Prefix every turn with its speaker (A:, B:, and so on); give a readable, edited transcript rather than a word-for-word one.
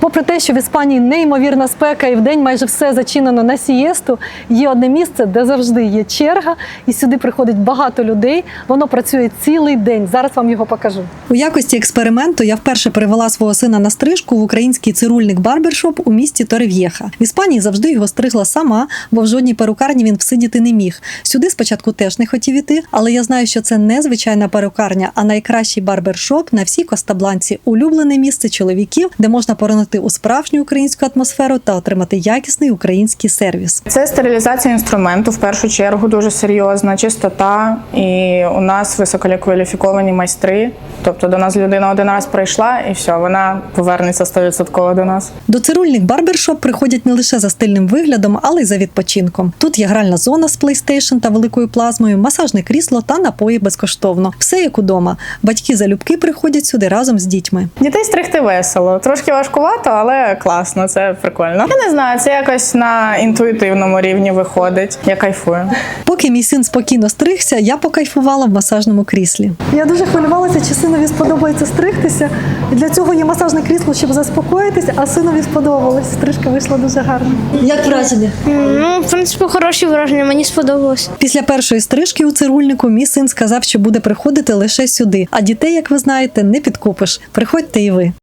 A: Попри те, що в Іспанії неймовірна спека і вдень майже все зачинено на сієсту, є одне місце, де завжди є черга, і сюди приходить багато людей. Воно працює цілий день. Зараз вам його покажу. У якості експерименту я вперше привела свого сина на стрижку в український цирульник барбершоп у місті Торрев'єха. В Іспанії завжди його стригла сама, бо в жодній перукарні він всидіти не міг. Сюди спочатку теж не хотів іти, але я знаю, що це не звичайна перукарня, а найкращий барбершоп на всій Коста-Бланці. Улюблене місце чоловіків, де можна поринути у справжню українську атмосферу та отримати якісний український сервіс.
B: Це стерилізація інструменту, в першу чергу, дуже серйозна, чистота. І у нас висококваліфіковані майстри. Тобто до нас людина один раз прийшла і все, вона повернеться 100% до нас.
A: До цирульник барбершоп приходять не лише за стильним виглядом, але й за відпочинком. Тут є гральна зона з PlayStation та великою плазмою, масажне крісло та напої безкоштовно. Все як удома. Батьки залюбки приходять сюди разом з дітьми.
B: Дітей стригти весело. Трошки важкувато, але класно, це прикольно. Я не знаю, це якось на інтуїтивному рівні виходить. Я кайфую.
A: Поки мій син спокійно стригся, я покайфувала в масажному кріслі. Я дуже хвилювалася, чи синові сподобається стригтися. І для цього є масажне крісло, щоб заспокоїтися, а синові сподобалось. Стрижка вийшла дуже гарно. Як враження?
C: Ну, в принципі, хороші враження, мені сподобалось.
A: Після першої стрижки у цирульнику мій син сказав, що буде приходити лише сюди. А дітей, як ви знаєте, не підкупиш. Приходьте і ви.